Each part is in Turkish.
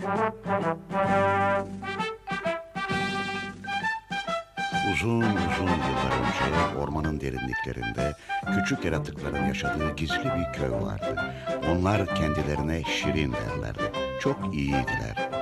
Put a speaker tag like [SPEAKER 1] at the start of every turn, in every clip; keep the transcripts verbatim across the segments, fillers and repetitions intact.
[SPEAKER 1] Uzun uzun yıllar önce ormanın derinliklerinde küçük yaratıkların yaşadığı gizli bir köy vardı. Onlar kendilerine Şirin derlerdi. Çok iyiydiler.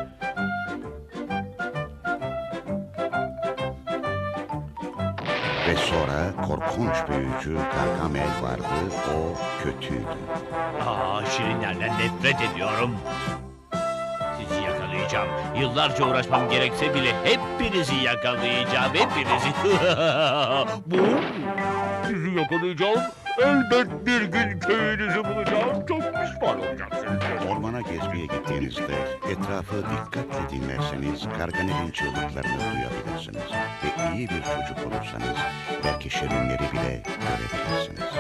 [SPEAKER 1] Ve sonra korkunç büyücü Gargamel vardı. O kötüydü.
[SPEAKER 2] Aa, şirinlerden nefret ediyorum. Sizi yakalayacağım. Yıllarca uğraşmam gerekse bile hepinizi yakalayacağım. Hepinizi. Bu. Sizi yakalayacağım. Elbet bir gün köyünüzü bulacağım. Çok pişman olacaksınız.
[SPEAKER 1] Ormana gezmeye gittiğinizde etrafı dikkatle dinlerseniz Gargamel'in çığlıklarını duyabilirsiniz. Ve iyi bir çocuk olursanız belki şirinleri bile görebilirsiniz.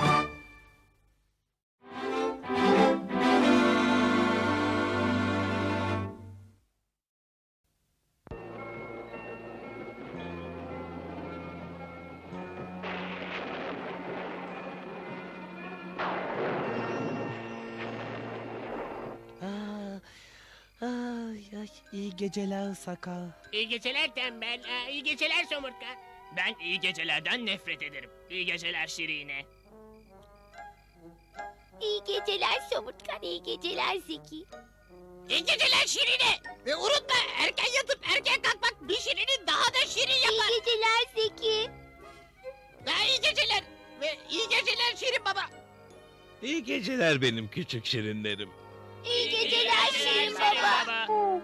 [SPEAKER 3] Ay ay, iyi geceler Sakar.
[SPEAKER 4] İyi geceler tembel. Aa, iyi geceler somurtkan. Ben iyi gecelerden nefret ederim. İyi geceler Şirine.
[SPEAKER 5] İyi geceler Somurtkan, iyi geceler Zeki.
[SPEAKER 4] İyi geceler Şirine. Ve unutma, erken yatıp erken kalkmak bir Şirin'i daha da şirin
[SPEAKER 5] İyi
[SPEAKER 4] yapar.
[SPEAKER 5] geceler Zeki.
[SPEAKER 4] Ha, iyi geceler. Ve iyi geceler Şirin baba.
[SPEAKER 2] İyi geceler benim küçük şirinlerim.
[SPEAKER 5] İyi geceler Şirin Baba.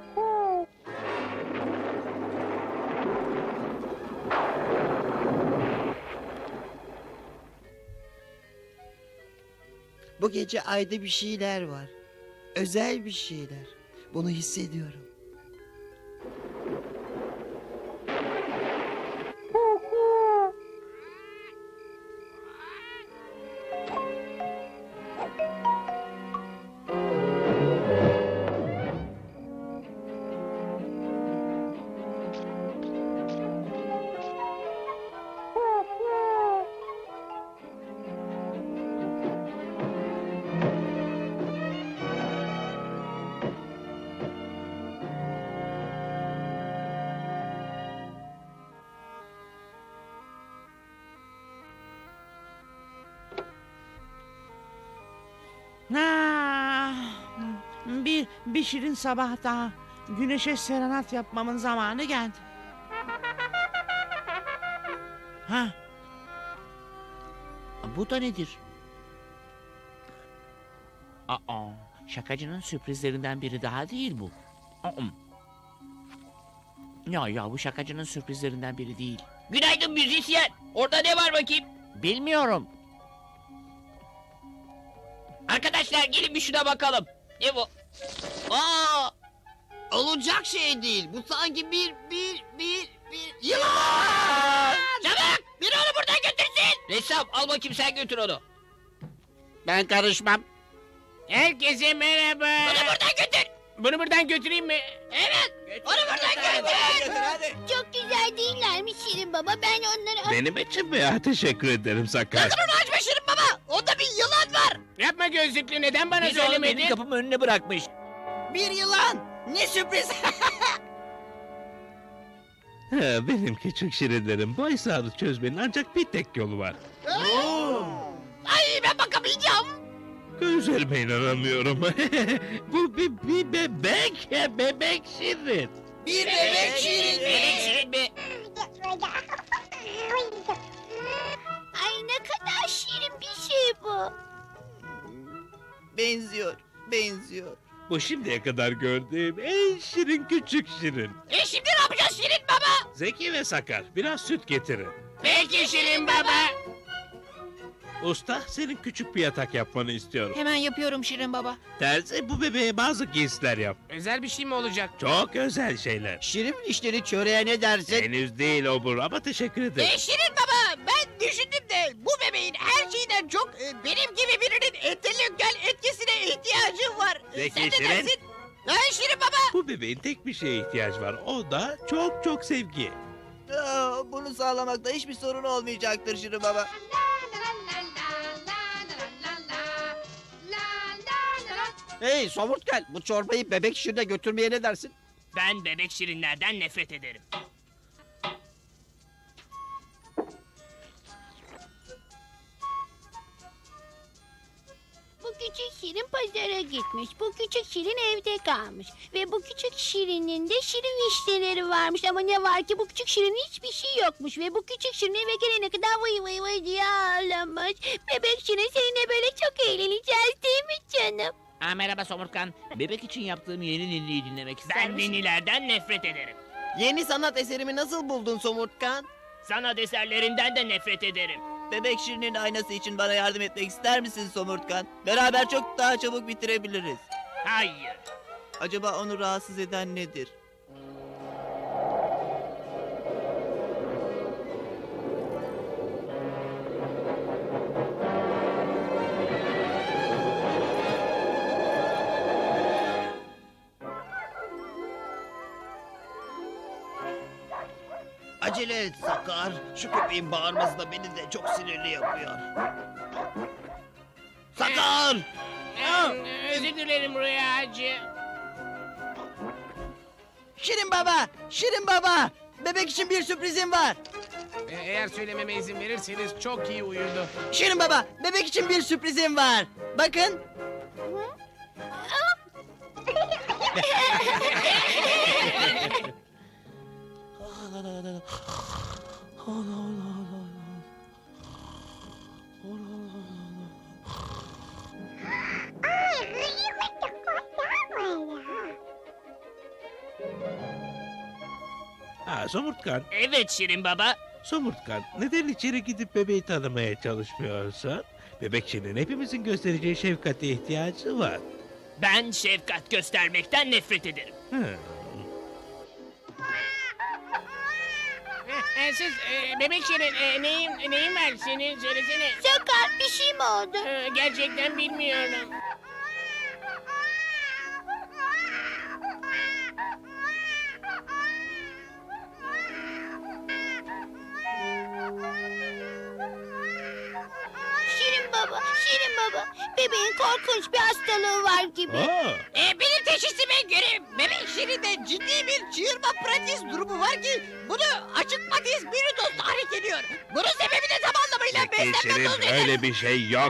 [SPEAKER 3] Bu gece ayda bir şeyler var. Özel bir şeyler. Bunu hissediyorum.
[SPEAKER 6] Ah, bir, bir şirin sabah daha. Güneşe serenat yapmamın zamanı geldi. Ha? Bu da nedir? Aa, şakacının sürprizlerinden biri daha değil bu. Aa. Ya ya bu şakacının sürprizlerinden biri değil.
[SPEAKER 4] Günaydın müzisyen. Orada ne var bakayım?
[SPEAKER 6] Bilmiyorum.
[SPEAKER 4] Arkadaşlar gelin bir şuna bakalım. Ne bu? Aa! Olacak şey değil. Bu sanki bir, bir, bir, bir... Yılan! Çabuk! Biri onu buradan götürsün! Ressam al bakayım sen götür onu.
[SPEAKER 6] Ben karışmam.
[SPEAKER 4] Herkese merhaba. Bunu buradan götür. Bunu buradan götüreyim mi? Evet. Onu buradan götür.
[SPEAKER 5] Çok güzel değiller mi Şirin Baba? Ben onları...
[SPEAKER 2] Benim için mi ya? Teşekkür ederim Sakar.
[SPEAKER 4] Onu açma Şirin baba. Onda bir yılan var. Yapma gözlüklü. Neden bana söylemedin?
[SPEAKER 2] Benim kapımın önüne bırakmış.
[SPEAKER 3] Bir yılan! Ne sürpriz!
[SPEAKER 2] Ha, benim küçük şirinlerim. Bu hesabı çözmenin ancak bir tek yolu var.
[SPEAKER 4] Ay ben bakamayacağım.
[SPEAKER 2] Gözlerime inanamıyorum. Bu bir, bir bebek. Bebek şirin.
[SPEAKER 3] Bir bebek şirin
[SPEAKER 4] Bebek Şirin mi?
[SPEAKER 5] Ay ne kadar şirin bir şey bu.
[SPEAKER 3] Benziyor, benziyor.
[SPEAKER 2] Bu şimdiye kadar gördüğüm en şirin küçük şirin.
[SPEAKER 4] E şimdi ne yapacağız Şirin baba?
[SPEAKER 2] Zeki ve Sakar, biraz süt getirin.
[SPEAKER 4] Peki Şirin baba.
[SPEAKER 2] Usta, senin küçük bir yatak yapmanı istiyorum.
[SPEAKER 4] Hemen yapıyorum Şirin baba.
[SPEAKER 2] Terzi, bu bebeğe bazı giysiler yap.
[SPEAKER 4] Özel bir şey mi olacak?
[SPEAKER 2] Çok özel şeyler.
[SPEAKER 3] Şirin işleri çöreğe ne dersin?
[SPEAKER 2] Henüz değil obur ama teşekkür ederim.
[SPEAKER 4] E Şirin baba ben düşündüm de bu bebeğin her şeyden çok e, benim gibi birinin entelektüel etkisine ihtiyacı var. E,
[SPEAKER 2] Zeki
[SPEAKER 4] Sen ne
[SPEAKER 2] Şirin.
[SPEAKER 4] dersin? Ha Şirin baba.
[SPEAKER 2] Bu bebeğin tek bir şeye ihtiyacı var. O da çok çok sevgi.
[SPEAKER 3] Aa, bunu sağlamakta hiçbir sorun olmayacaktır Şirin Baba.
[SPEAKER 7] Hey Somurtkel, bu çorbayı bebek şirine götürmeye ne dersin?
[SPEAKER 4] Ben bebek şirinlerden nefret ederim.
[SPEAKER 5] Bu küçük şirin pazara gitmiş. Bu küçük şirin evde kalmış. Ve bu küçük şirinin de şirin vişneleri varmış. Ama ne var ki bu küçük şirinin hiçbir şey yokmuş. Ve bu küçük şirin eve gelene kadar vıy vıy vıy diye ağlamış. Bebek şirin seninle böyle çok eğleneceğiz değil mi canım?
[SPEAKER 6] Aa, merhaba Somurtkan. Bebek için yaptığım yeni ninniyi dinlemek ister
[SPEAKER 4] Ben
[SPEAKER 6] misin?
[SPEAKER 4] ninnilerden nefret ederim.
[SPEAKER 7] Yeni sanat eserimi nasıl buldun Somurtkan?
[SPEAKER 4] Sanat eserlerinden de nefret ederim.
[SPEAKER 8] Bebek Şirin'in aynası için bana yardım etmek ister misin Somurtkan? Beraber çok daha çabuk bitirebiliriz.
[SPEAKER 4] Hayır.
[SPEAKER 8] Acaba onu rahatsız eden nedir?
[SPEAKER 7] Acele et Sakar. Şu köpeğin bağırması da beni de çok sinirli yapıyor. Sakar!
[SPEAKER 4] Özür dilerim Rüyacı.
[SPEAKER 8] Şirin baba! Şirin baba! Bebek için bir sürprizim var.
[SPEAKER 9] E, Eğer söylememe izin verirseniz çok iyi uyudu.
[SPEAKER 8] Şirin baba! Bebek için bir sürprizim var. Bakın.
[SPEAKER 2] Ha, Somurtkan,
[SPEAKER 4] Evet Şirin Baba.
[SPEAKER 2] Somurtkan, neden içeri gidip bebeği tanımaya çalışmıyorsun? Bebek Şirin hepimizin göstereceği şefkate ihtiyacı var.
[SPEAKER 4] Ben şefkat göstermekten nefret ederim.
[SPEAKER 2] Hı.
[SPEAKER 9] E, siz e, bebek şirin e, neyin, neyin var senin söylesene.
[SPEAKER 5] Sakar bir şey mi oldu?
[SPEAKER 9] E, gerçekten bilmiyorum.
[SPEAKER 5] Şirin baba, Şirin baba. Bebeğin korkunç bir hastalığı var gibi.
[SPEAKER 2] Aa,
[SPEAKER 4] E, benim teşhisime göre bebek Şirin'de ciddi bir çığırma pratiz durumu var ki bunu açık patiz biridos tahrik ediyor. Bunun sebebi de tam anlamıyla
[SPEAKER 2] Peki Şirin, öyle bir şey yok.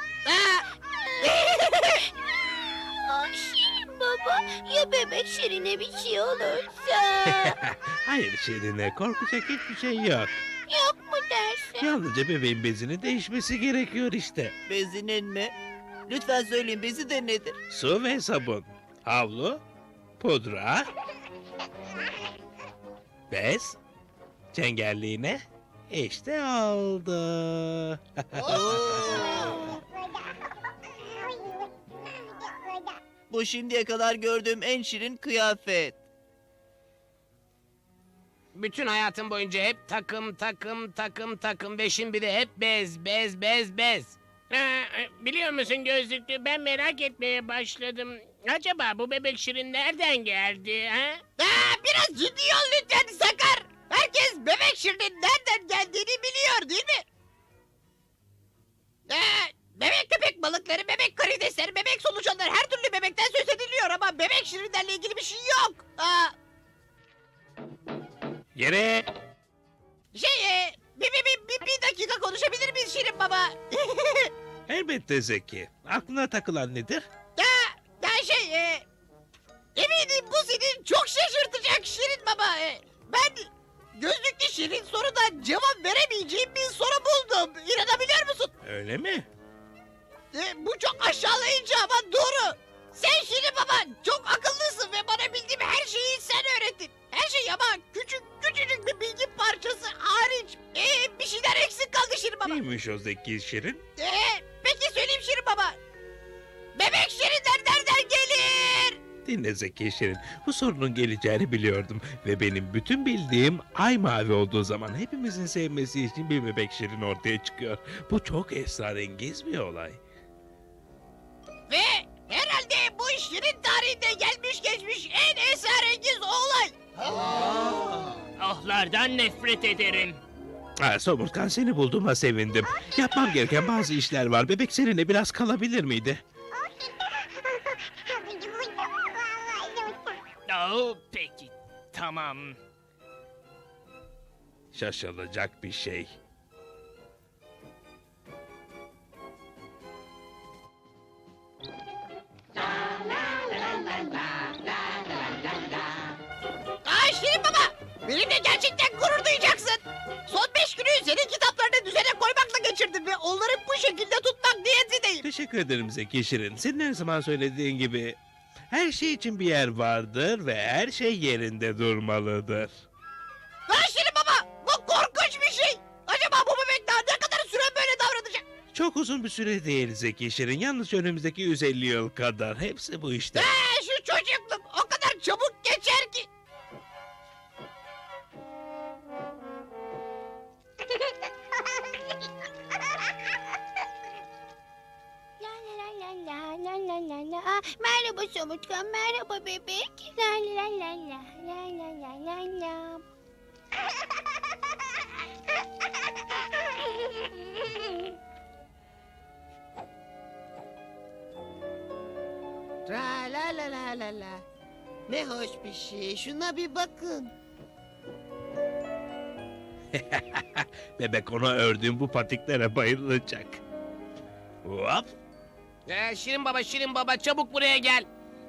[SPEAKER 5] Aa, Şirin baba, ya bebek Şirin'e bir şey olursa?
[SPEAKER 2] Hayır Şirin'e, korkacak hiçbir şey yok.
[SPEAKER 5] Yok mu dersin?
[SPEAKER 2] Yalnızca bebeğin bezinin değişmesi gerekiyor işte.
[SPEAKER 8] Bezinin mi? Lütfen söyleyin, bezi de nedir?
[SPEAKER 2] Su ve sabun, havlu, pudra, bez, çengelliğine işte oldu.
[SPEAKER 8] Bu şimdiye kadar gördüğüm en şirin kıyafet.
[SPEAKER 9] Bütün hayatım boyunca hep takım takım takım takım ve şimdi de hep bez bez bez bez. Ha, e, biliyor musun gözlüklü, ben merak etmeye başladım. Acaba bu bebek şirin nereden geldi ha?
[SPEAKER 4] Aa, biraz ciddi ol lütfen Sakar. Herkes bebek Şirin'in nereden geldiğini biliyor değil mi? Ee, bebek köpek balıkları, bebek karidesler, bebek solucanlar, her türlü bebekten söz ediliyor ama bebek Şirinlerle ilgili bir şey yok. Aa,
[SPEAKER 2] Yere
[SPEAKER 4] şey, e, bir, bir, bir, bir, bir dakika konuşabilir miyiz Şirin Baba?
[SPEAKER 2] elbette Zeki. Aklına takılan nedir?
[SPEAKER 4] Ya, ya şey, e, eminim bu senin çok şaşırtacak Şirin Baba. E, ben gözlüklü Şirin soruda cevap veremeyeceğim bir soru buldum. İnanabiliyor musun?
[SPEAKER 2] Öyle mi?
[SPEAKER 4] E, bu çok aşağılayıcı ama doğru. Sen Şirin Baba çok akıllısın ve bana bildiğim her şeyi sen öğrettin. Her şey ama küçük küçücük bir bilgi parçası hariç. E, bir şeyler eksik kaldı Şirin Baba.
[SPEAKER 2] Neymiş o Zeki Şirin?
[SPEAKER 4] E, peki söyleyeyim Şirin Baba. Bebek Şirinler nereden gelir?
[SPEAKER 2] Dinle Zeki Şirin. Bu sorunun geleceğini biliyordum. Ve benim bütün bildiğim ay mavi olduğu zaman hepimizin sevmesi için bir bebek Şirin ortaya çıkıyor. Bu çok esrarengiz bir olay.
[SPEAKER 4] Ve herhalde bu Şirin tarihinde gelmiş geçmiş en esrarengiz olay. Ahlardan nefret ederim.
[SPEAKER 2] Ha, Somurtkan, seni bulduğuma sevindim. Yapmam gereken bazı işler var. Bebek seninle biraz kalabilir miydi?
[SPEAKER 9] Oh, peki, tamam.
[SPEAKER 2] Şaşılacak bir şey.
[SPEAKER 4] Aa Şirin Baba! Benimle gerçekten gurur duyacaksın. Son beş günü senin kitaplarını düzene koymakla geçirdim ve onları bu şekilde tutmak niyetindeyim.
[SPEAKER 2] Teşekkür ederim Zeki Şirin. Senin her zaman söylediğin gibi her şey için bir yer vardır ve her şey yerinde durmalıdır.
[SPEAKER 4] Aa Şirin Baba! Bu korkunç bir şey. Acaba bu bebek daha ne kadar süre böyle davranacak?
[SPEAKER 2] Çok uzun bir süre değil Zeki Şirin. Yalnızca önümüzdeki yüz elli yıl kadar. Hepsi bu işte.
[SPEAKER 4] Ee, şu çocukluğum o kadar çabuk geçer ki.
[SPEAKER 5] La la la la la la la la. Aa, merhaba Somurtkan, merhaba bebek. La la la la la la la la la.
[SPEAKER 3] Tra la la la la la. Ne hoş bir şey. Şuna bir bakın.
[SPEAKER 2] Bebek ona ördüğüm bu patiklere bayılacak. Hop.
[SPEAKER 9] Ee, Şirin Baba, Şirin Baba, çabuk buraya gel.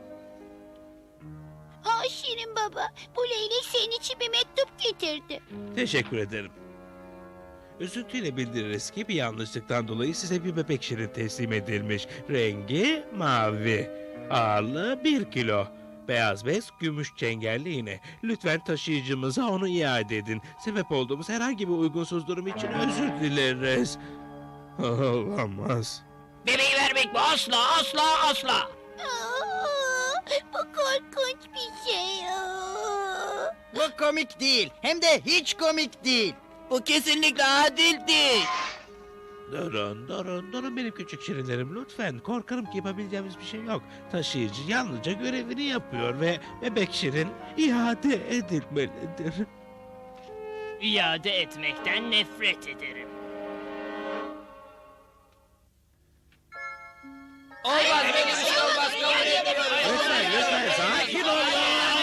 [SPEAKER 5] Aa Şirin baba, bu leylek senin için bir mektup getirdi.
[SPEAKER 2] Teşekkür ederim. Üzüntüyle bildiririz ki bir yanlışlıktan dolayı size bir bebek şirin teslim edilmiş. Rengi mavi. Ağırlığı bir kilo. Beyaz bez, gümüş çengelli iğne. Lütfen taşıyıcımıza onu iade edin. Sebep olduğumuz herhangi bir uygunsuz durum için özür dileriz. Olamaz.
[SPEAKER 4] Bebeği vermek mi? Asla asla asla.
[SPEAKER 5] Aa, bu korkunç bir şey. Aa.
[SPEAKER 3] Bu komik değil. Hem de hiç komik değil.
[SPEAKER 8] Bu kesinlikle adil değil.
[SPEAKER 2] Durun, durun, durun benim küçük şirinlerim lütfen. Korkarım ki yapabileceğimiz bir şey yok. Taşıyıcı yalnızca görevini yapıyor ve bebek şirin iade edilmelidir.
[SPEAKER 9] İade etmekten nefret ederim.
[SPEAKER 4] Olmaz benim için olmaz. Kabul edemiyorum.
[SPEAKER 2] Lütfen, lütfen sakin olun.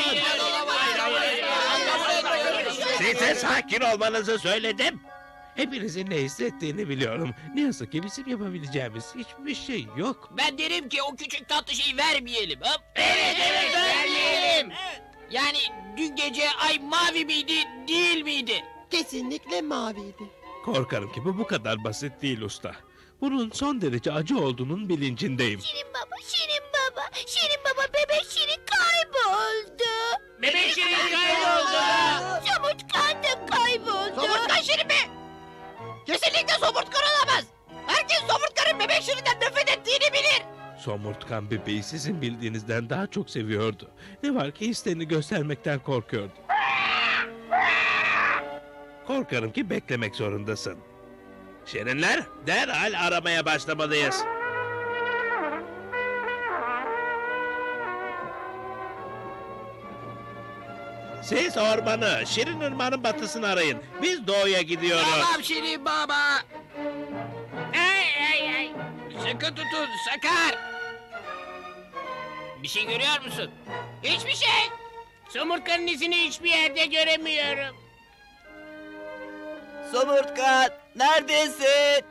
[SPEAKER 2] Size sakin olmanızı söyledim. Hepinizin ne hissettiğini biliyorum. Ne yazık ki bizim yapabileceğimiz hiçbir şey yok.
[SPEAKER 4] Ben derim ki o küçük tatlı şeyi vermeyelim. Hop. Evet evet vermeyelim. Yani dün gece ay mavi miydi değil miydi?
[SPEAKER 3] Kesinlikle maviydi.
[SPEAKER 2] Korkarım ki bu bu kadar basit değil usta. Bunun son derece acı olduğunun bilincindeyim.
[SPEAKER 5] Şirin baba, Şirin baba, Şirin baba, bebek Şirin kayboldu.
[SPEAKER 9] Bebek Şirin kayboldu.
[SPEAKER 5] Somurtkan da kayboldu.
[SPEAKER 4] Somurtkan Şirin mi? Kesinlikle somurtkan olamaz. Herkes somurtkanın bebek Şirin'den nefret ettiğini bilir.
[SPEAKER 2] Somurtkan bebeği sizin bildiğinizden daha çok seviyordu. Ne var ki hislerini göstermekten korkuyordu. Korkarım ki beklemek zorundasın. Şirinler, derhal aramaya başlamalıyız. Siz ormanı, Şirin Irmağı'nın batısını arayın. Biz doğuya gidiyoruz.
[SPEAKER 4] Tamam Şirin baba.
[SPEAKER 9] Ay ay ay.
[SPEAKER 4] Sıkı tutun Sakar. Bir şey görüyor musun? Hiçbir şey.
[SPEAKER 9] Somurtkanın izini hiçbir yerde göremiyorum.
[SPEAKER 8] Somurtkan, neredesin?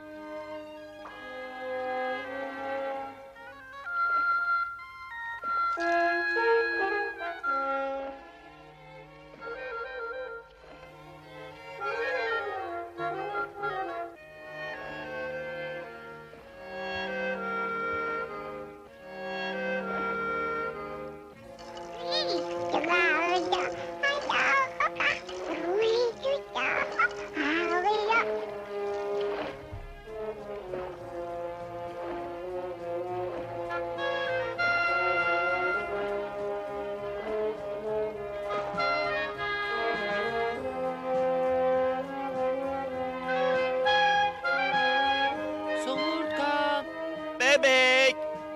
[SPEAKER 4] Somurtkan.
[SPEAKER 8] Bebek,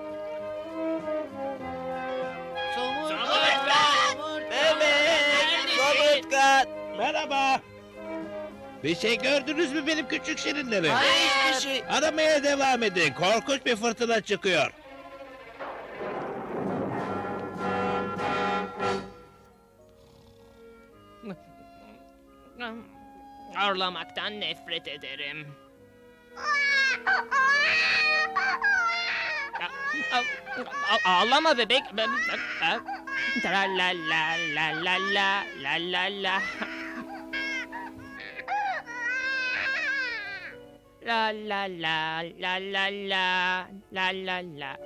[SPEAKER 4] Somurtkan.
[SPEAKER 8] bebek, somurtkan.
[SPEAKER 2] Merhaba. Bir şey gördünüz mü benim küçük şirinlerim?
[SPEAKER 8] Hayır, hiçbir şey.
[SPEAKER 2] Aramaya devam edin. Korkunç bir fırtına çıkıyor.
[SPEAKER 9] Ağlamaktan nefret ederim. A- a- Ağlama bebek. Tra la la la la la la la la. La la la la la la la la la.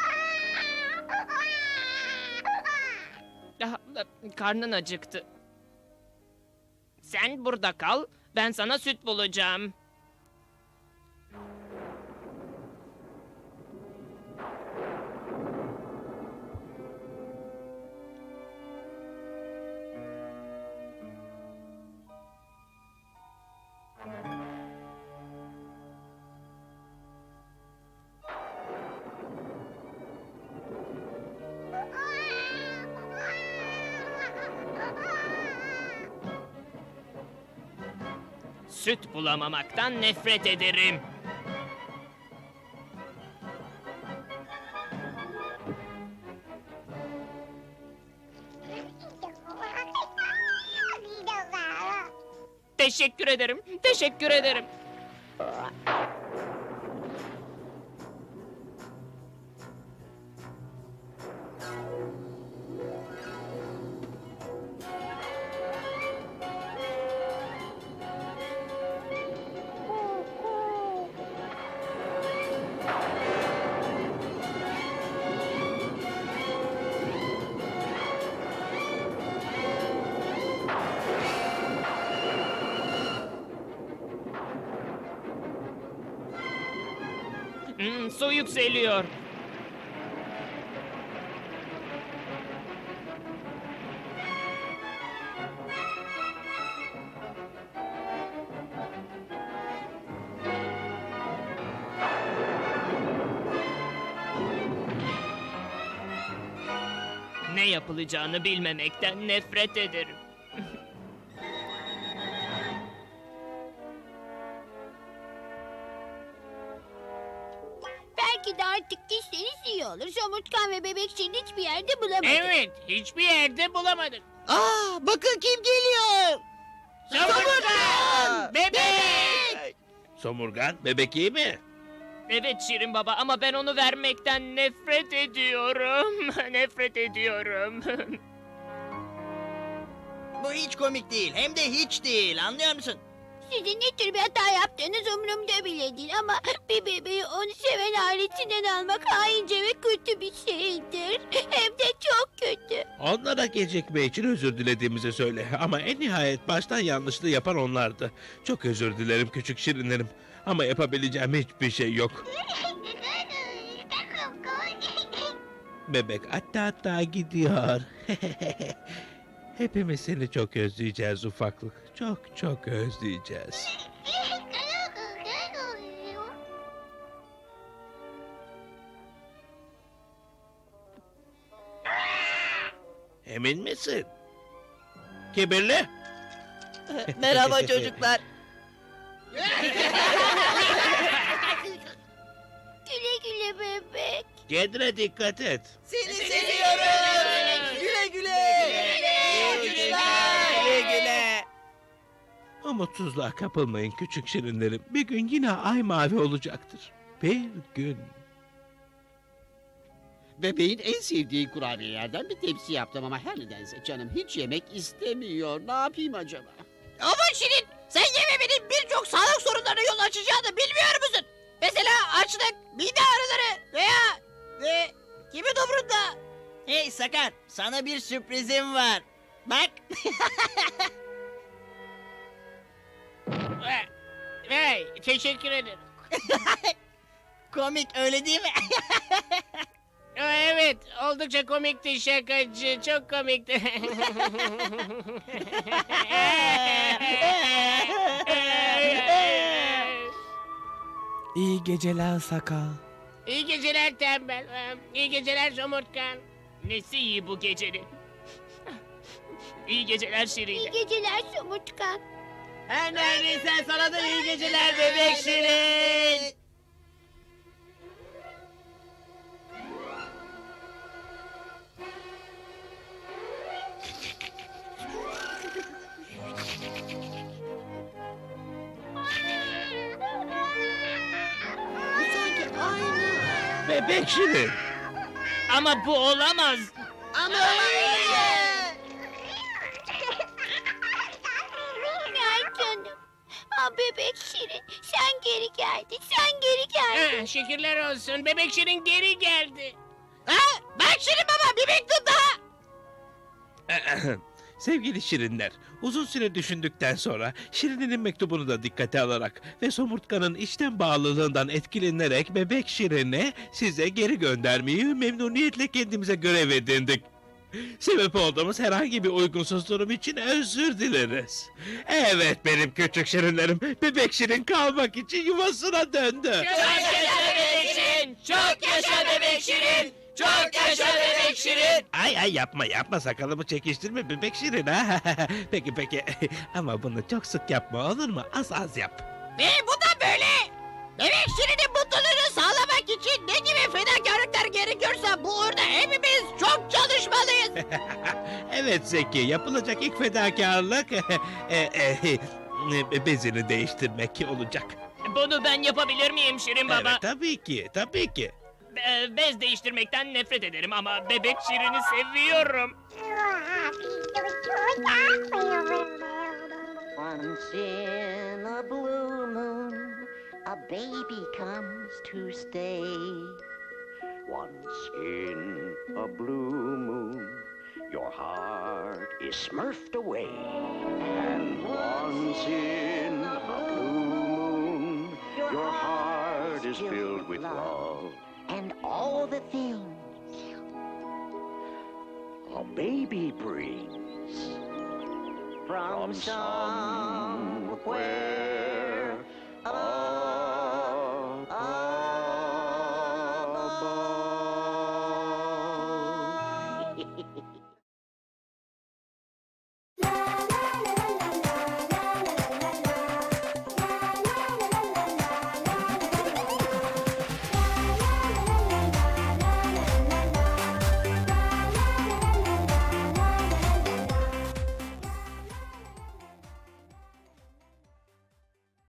[SPEAKER 9] Ah, Karnın acıktı. Sen burada kal, ben sana süt bulacağım. Süt bulamamaktan nefret ederim. Teşekkür ederim, teşekkür ederim. Hmm, su yükseliyor. Ne yapılacağını bilmemekten nefret ederim.
[SPEAKER 5] Belki de artık gitseniz iyi olur. Somurtkan ve bebek Şirin hiçbir yerde bulamadık.
[SPEAKER 9] Evet, hiçbir yerde bulamadık.
[SPEAKER 3] Aa, bakın kim geliyor.
[SPEAKER 9] Somurtkan! Bebek!
[SPEAKER 2] Somurgan, bebek iyi mi?
[SPEAKER 9] Evet Şirin Baba ama ben onu vermekten nefret ediyorum. Nefret ediyorum.
[SPEAKER 7] Bu hiç komik değil. Hem de hiç değil. Anlıyor musun?
[SPEAKER 5] Sizin ne tür bir hata yaptığınız umurumda bile değil ama bir bebeği onu seven ailesinden almak haince ve kötü bir şeydir. Hem de çok kötü.
[SPEAKER 2] Onlara gecikme için özür dilediğimizi söyle. Ama en nihayet baştan yanlışlığı yapan onlardı. Çok özür dilerim küçük şirinlerim. Ama yapabileceğim hiçbir şey yok. Bebek hatta hatta gidiyor. Hepimiz seni çok özleyeceğiz ufaklık. Çok çok özleyeceğiz. Emin misin? Kibirli?
[SPEAKER 8] Merhaba çocuklar.
[SPEAKER 5] Güle güle bebek.
[SPEAKER 2] Kendine dikkat et.
[SPEAKER 8] Seni seviyorum. Güle güle. Güle güle.
[SPEAKER 2] Umutsuzluğa kapılmayın küçük şirinlerim. Bir gün yine ay mavi olacaktır. Bir gün.
[SPEAKER 10] Bebeğin en sevdiği kurabiyelerden bir tepsi yaptım ama her nedense canım hiç yemek istemiyor. Ne yapayım acaba?
[SPEAKER 4] Ama Şirin, sen yememenin birçok sağlık sorunlarına yol açacağını bilmiyor musun? Mesela açlık, mide ağrıları veya... Ve kimin umurunda?
[SPEAKER 7] Hey Sakar, sana bir sürprizim var. Bak.
[SPEAKER 9] Hey, teşekkür ederim.
[SPEAKER 7] Komik öyle değil mi?
[SPEAKER 9] Aa, Evet, oldukça komikti şakacı, çok komikti.
[SPEAKER 11] İyi geceler sakal.
[SPEAKER 9] İyi geceler tembel, Ee, iyi geceler somurtkan. Nesi iyi bu gecenin? İyi geceler Şirin.
[SPEAKER 5] İyi geceler Somurtkan.
[SPEAKER 7] Her neredeyse sana da iyi geceler bebek Şirin.
[SPEAKER 2] Bebek Şirin.
[SPEAKER 9] Ama bu olamaz.
[SPEAKER 4] Ama
[SPEAKER 5] Ay canım. Aa, bebek Şirin sen geri geldin. Sen geri geldin.
[SPEAKER 9] Ha, şükürler olsun. Bebek Şirin geri geldi.
[SPEAKER 4] Ha? Bak Şirin baba bir mektup daha.
[SPEAKER 2] Sevgili Şirinler, uzun süre düşündükten sonra Şirin'in mektubunu da dikkate alarak ve Somurtkan'ın içten bağlılığından etkilenerek Bebek Şirin'i size geri göndermeyi memnuniyetle kendimize görev edindik. Sebep olduğumuz herhangi bir uygunsuz durum için özür dileriz. Evet benim küçük Şirinlerim, Bebek Şirin kalmak için yuvasına döndü.
[SPEAKER 4] Çok yaşa bebek Şirin. Çok yaşa bebek Şirin. Çok yaşa bebek Şirin.
[SPEAKER 2] Ay ay yapma yapma sakalımı çekiştirme Bebek Şirin ha. Peki peki ama bunu çok sık yapma olur mu? Az az yap.
[SPEAKER 4] Ve bu da böyle. Bebek Şirin'in mutluluğunu sağlamak için ne gibi fedakarlıklar gerekiyorsa bu uğurda hepimiz çok çalışmalıyız.
[SPEAKER 2] Evet Zeki yapılacak ilk fedakarlık e, e, e, bezini değiştirmek olacak.
[SPEAKER 9] Bunu ben yapabilir miyim Şirin Baba?
[SPEAKER 2] Evet tabii ki tabii ki.
[SPEAKER 9] Be- bez değiştirmekten nefret ederim ama Bebek Şirin'i seviyorum.
[SPEAKER 12] Once in a blue moon, a baby comes to stay. Once in a blue moon, your heart is smurfed away. And once in a blue moon, your heart is filled with love. And all the things a baby brings from somewhere